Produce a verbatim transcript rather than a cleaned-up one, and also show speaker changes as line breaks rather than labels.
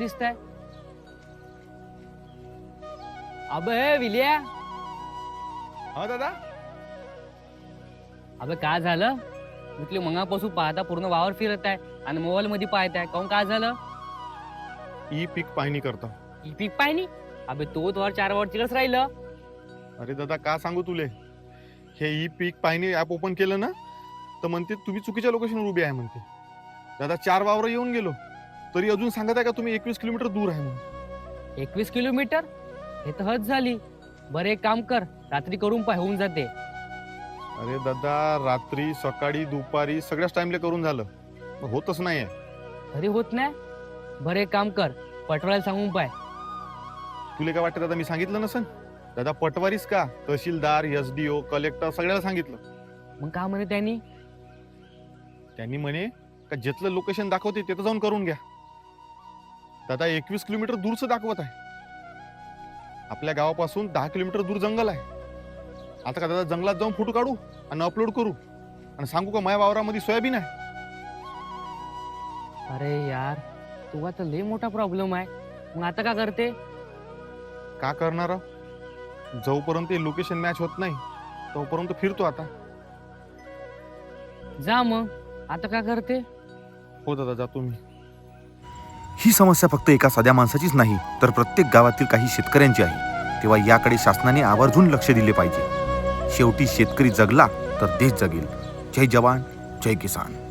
दिसताय. अबे विलिया.
हा दादा.
अबे काय झालं? म्हटले मंगापासून पाहता पूर्ण वावर फिरत आहे आणि मोबाईल मध्ये पाहताय. काऊन काय झालं?
ई पीक पाहणी करता.
ही पीक पाहिनी. अबे तो वर चार वर तिकडच राहिलं.
अरे दादा का सांगू तुले, हे ई पीक पाहणी ऍप ओपन केलं ना तर म्हणते तुम्ही चुकीच्या लोकेशनवर उभे आहे म्हणते. दादा चार वावर येऊन गेलो तरी अजून सांगत आहे का तुम्ही एकवीस किलोमीटर दूर आहे म्हणून.
एकवीस किलोमीटर हे तर हद झाली. बरं एक काम कर, रात्री करून पाय, होऊन जाते.
अरे दादा रात्री सकाळी दुपारी सगळ्याच टाइमला करून झालं पण होतच नाहीये.
तरी होत नाही. बरं एक काम कर, पटवायला सांगून पाय.
तुला काय वाटतं दादा मी सांगितलं नसन? दादा पटवारीच का, तहसीलदार, एसडीओ, कलेक्टर सगळ्याला सांगितलं.
मग का म्हणे त्यांनी?
त्यांनी म्हणे का जिथलं लोकेशन दाखवते तिथं जाऊन करून घ्या. दादा एकवीस किलोमीटर दूरच दाखवत आहे. आपल्या गावापासून दहा किलोमीटर दूर जंगल आहे. आता का दादा जंगलात जाऊन फोटो काढू आणि अपलोड करू आणि सांगू का माझ्या वावरामध्ये सोयाबीन आहे?
अरे यार, तू आता लय मोठा प्रॉब्लेम आहे. मग आता का करते?
का करणार आहो? जोपर्यंत लोकेशन मॅच होत नाही तोपर्यंत फिरतो आता.
जा मग, आता का करते?
हो दादा जातो मी.
ही समस्या फक्त एका साध्या माणसाचीच नाही तर प्रत्येक गावातील काही शेतकऱ्यांची आहे. तेव्हा याकडे शासनाने आवर्जून लक्ष दिले पाहिजे. शेवटी शेतकरी जगला तर देश जगेल. जय जवान, जय किसान.